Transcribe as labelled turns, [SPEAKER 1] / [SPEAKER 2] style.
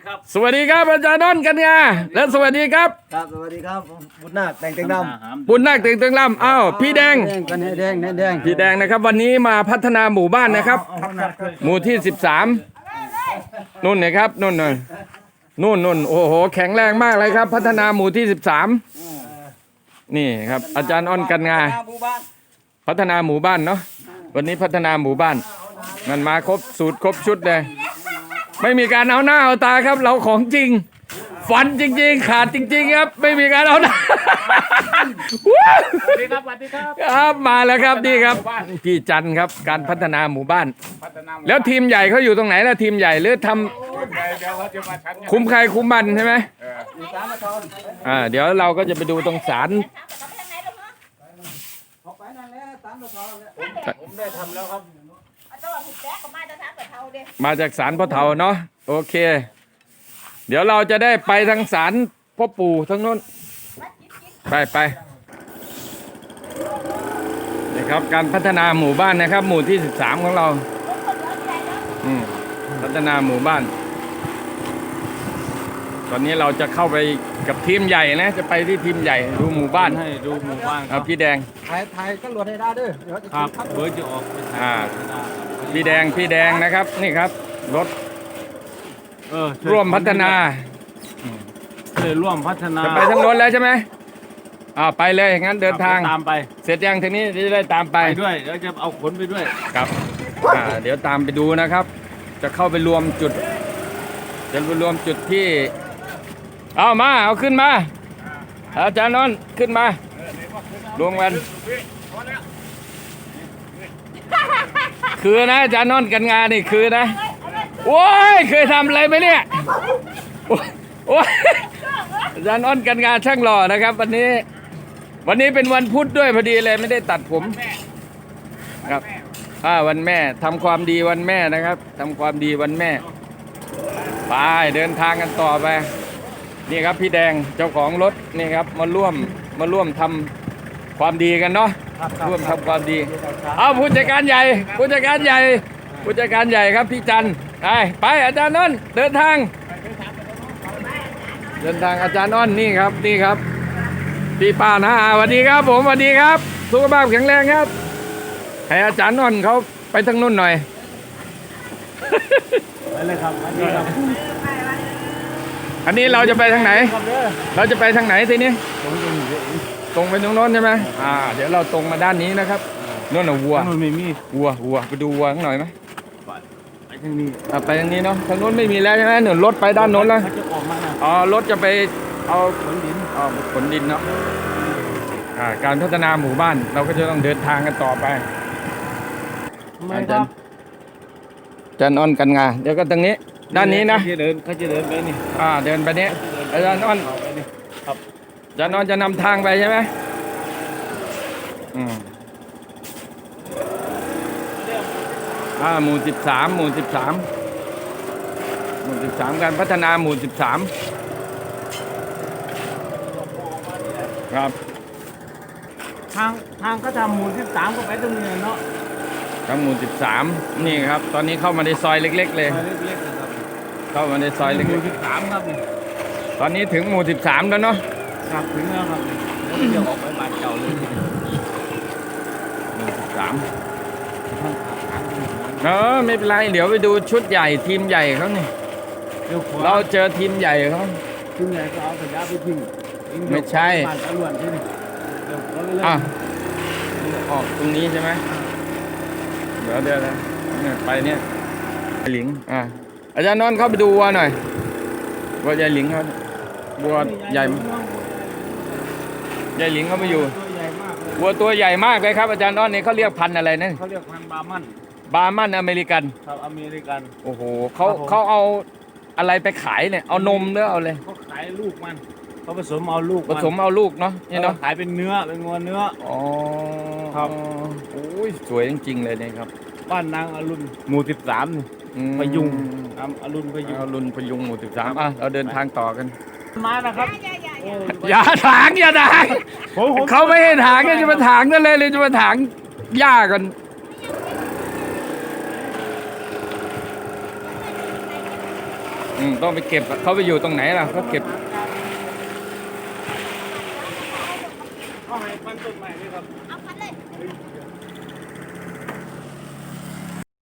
[SPEAKER 1] ครับ
[SPEAKER 2] สวัสดีครับอาจารย์นนท์กันงาและสวัสดีครับ
[SPEAKER 3] ครับสวัสดีครับบุญนาคแต่งเต็งดำ
[SPEAKER 2] บุญนาคเต็งเต็งลำอ้าวพี่แดง
[SPEAKER 3] กันให้แดงให้แดง
[SPEAKER 2] พี่แดงนะครับ วันนี้มาพัฒนาหมู่บ้านนะครับ หมู่ที่13นู่นนะครับนู่นน่ะนู่นโอ้โหแข็งแรงมากเลยครับ พัฒนาหมู่ที่13นี่ครับอาจารย์อ้อนกันงาพัฒนาหมู่บ้านเนาะวันนี้พัฒนาหมู่บ้านมันมาครบสูตรครบชุดเลยไม่มีการเอาหน้าเอาตาครับเราของจริงฟันจริงๆขาดจริงๆครับไม่มีการเอาหน้า
[SPEAKER 1] สวัสดีครับสวัสดีครับ
[SPEAKER 2] ครับมาแล้วครับนี่ครับพี่จันทร์ครับการพัฒนาหมู่บ้าน
[SPEAKER 1] พัฒนา
[SPEAKER 2] แล้วทีมใหญ่เขาอยู่ตรงไหนล่ะทีมใหญ่หรือทำ
[SPEAKER 1] เดี๋ยวเขาจะมาชั้น
[SPEAKER 2] คุ้มใครคุ้มมันใช่ไหมเดี๋ยวเราก็จะไปดูตรงศาล
[SPEAKER 1] ผมได้ทำแล้วครับ
[SPEAKER 2] มาจากศาลพ่อเฒ่าเนาะโอเค เดี๋ยวเราจะได้ไปทางศาลพ่อปู่ทั้งนู้นไปนี่ครับการพัฒนาหมู่บ้านนะครับ หมู่ที่13ของเราพัฒนาหมู่บ้าน ตอนนี้เราจะเข้าไปกับทีมใหญ่นะจะไปที่ทีมใหญ่ดูหมู่บ้าน
[SPEAKER 1] ให้ดูหมู่บ้านครับ
[SPEAKER 2] พี่แดง
[SPEAKER 3] ถ่ายก็หลวดให้ได้ด้วยเดี๋ยวจะ
[SPEAKER 1] ครับเบิร์ดจะออกไปถ่าย
[SPEAKER 2] พี่แดงนะครับนี่ครับรถ
[SPEAKER 1] ช่วย
[SPEAKER 2] ร่วมพัฒนา
[SPEAKER 1] เลยร่วมพัฒนา
[SPEAKER 2] จะไปทางโน้นแล้วใช่ไหมไปเลยงั้นเดินทาง
[SPEAKER 1] ตามไป
[SPEAKER 2] เสร็จยังทีนี้จะได้ตามไป
[SPEAKER 1] ไปด้วยแล้วจะเอาขนไปด้วย
[SPEAKER 2] ครับเดี๋ยวตามไปดูนะครับ จะเข้าไปรวมจุดจะไปรวมจุดที่เอาขึ้นมาอาจารย์นนท์ขึ้นมารวมกันคือนะอาจารย์นนท์กันงานนี่คือนะโอ้ยเคยทำอะไรไหมเนี่ยโอ้ยอาจารย์นนท์กันงานช่างหล่อนะครับ วันนี้เป็นวันพุธด้วยพอดีเลยไม่ได้ตัดผมครับวันแม่ทำความดีวันแม่นะครับทำความดีวันแม่ไปเดินทางกันต่อไปนี่ครับพี่แดงเจ้าของรถนี่ครับมาร่วมทำความดีกันเนาะร่วมทำความดีผู้จัดการใหญ่ครับพี่จันทร์ไปอาจารย์นนท์เดินทางอาจารย์อ้อนนี่ครับพี่ป้านะสวัสดีครับผมสวัสดีครับสุขภาพแข็งแรงครับให้อาจารย์อ้อนเขาไปทางนู้นหน่อย
[SPEAKER 1] ไปเลยครับอันนี้ครับ
[SPEAKER 2] อันนี้เราจะไปทางไหน เราจะไปทางไหนทีนี้ ตรงไปตรงโน้นใช่ไหมเดี๋ยวเราตรงมาด้านนี้นะครับนู่นน่ะวัว
[SPEAKER 1] มันไม่มี
[SPEAKER 2] วัวไปดูวัวข้างหน่อยไหม
[SPEAKER 1] ไปทางนี้
[SPEAKER 2] ไปทางนี้เนาะทางโน้นไม่มีแล้วใช่ไหมหนุนรถไปด้านโน้นแล้ว
[SPEAKER 1] เขาจะออกมานะ
[SPEAKER 2] รถจะไปเอา
[SPEAKER 1] ขนดิน
[SPEAKER 2] ขนดินเนาะการพัฒนาหมู่บ้านเราก็จะต้องเดินทางกันต่อไป
[SPEAKER 1] ไม่ครับ
[SPEAKER 2] อาจารย์อ้อนกันงาเดี๋ยวก็ตรงนี้ด้านนี้นะ
[SPEAKER 1] เขาจะเดินไปนี่
[SPEAKER 2] เดินไปนี้อาจารย์อ้อน
[SPEAKER 1] เอาไปนี่ครับ
[SPEAKER 2] อาจารย์อ้อนจะนำทางไปใช่ไหมหมู่13การพัฒนาหมู่13ครับ
[SPEAKER 1] ทางเขาทำหมู่13ก็ไปตรงนี้เนาะ
[SPEAKER 2] ทั้งหมู่13นี่ครับตอนนี้เข้ามาในซอยเล็กๆเลย
[SPEAKER 1] ซอยเล็กๆนะครับ
[SPEAKER 2] เข้ามาในซอยเล็
[SPEAKER 1] หมู่
[SPEAKER 2] ก
[SPEAKER 1] 13ครับนี่
[SPEAKER 2] ๆตอนนี้ถึงหมู่13แล้วเนาะ
[SPEAKER 1] ครับถึงแล้วครับแล้วจะออกไปบ้านเก่าเลย
[SPEAKER 2] หมู่13ไม่เป็นไรเดี๋ยวไปดูชุดใหญ่ทีมใหญ่เขานี่
[SPEAKER 1] เดี๋ยวขวา
[SPEAKER 2] เราเจอทีมใหญ่เขา
[SPEAKER 1] ขึ้นใหญ่ก็เอาขยะไปทิ้ง
[SPEAKER 2] ไม่ใช่
[SPEAKER 1] บ้านตะลวนที่นี่เดี๋ยวเขาเลย
[SPEAKER 2] ออกตรงนี้ใช่ไหมเดี๋ยวเนี่ยไปเนี่ยหลิงอาจารย์นนท์เข้าไปดูวัวหน่อยวัวยายหลิงเขาวัวใหญ่ยายหลิงเขาไปอยู่
[SPEAKER 1] ตัวใหญ่มากเลย
[SPEAKER 2] วัวตัวใหญ่มากเลยครับอาจารย์นนท์นี่เขาเรียกพันธุ์อะไรนะ
[SPEAKER 1] เขาเรียกพันธุ์บาร์มัน
[SPEAKER 2] บาร์มันอเมริกัน
[SPEAKER 1] ครับอเมริกัน
[SPEAKER 2] โอ้โหเขาเอาอะไรไปขายเนี่ยเอานมหรือเอาเลย
[SPEAKER 1] เขาขายลูกมันเขาผสมเอาลูก
[SPEAKER 2] ผสมเอาลูกเนาะนี่เนาะ
[SPEAKER 1] ขายเป็นเนื้อเป็นงัวเนื้อ
[SPEAKER 2] อ๋อ
[SPEAKER 1] ครับ
[SPEAKER 2] โอ้ยสวยจริงๆเลยเนี่ยครับ
[SPEAKER 1] บ้านนางอรุณหมู่13นี่ พยุงอรุณพยุง
[SPEAKER 2] อรุณพยุงหมู่13เราเดินทางต่อกัน
[SPEAKER 1] มานะครับ
[SPEAKER 2] อย่าถางเขาไม่ให้ถางก็จะมาถางนั่นเลยจะมาถางหญ้ากันต้องไปเก็บเขาไปอยู่ตรงไหนล่ะเขาเก็บ
[SPEAKER 1] เอาให้พันต้นใหม่เลยครับ
[SPEAKER 4] เอาพันเลย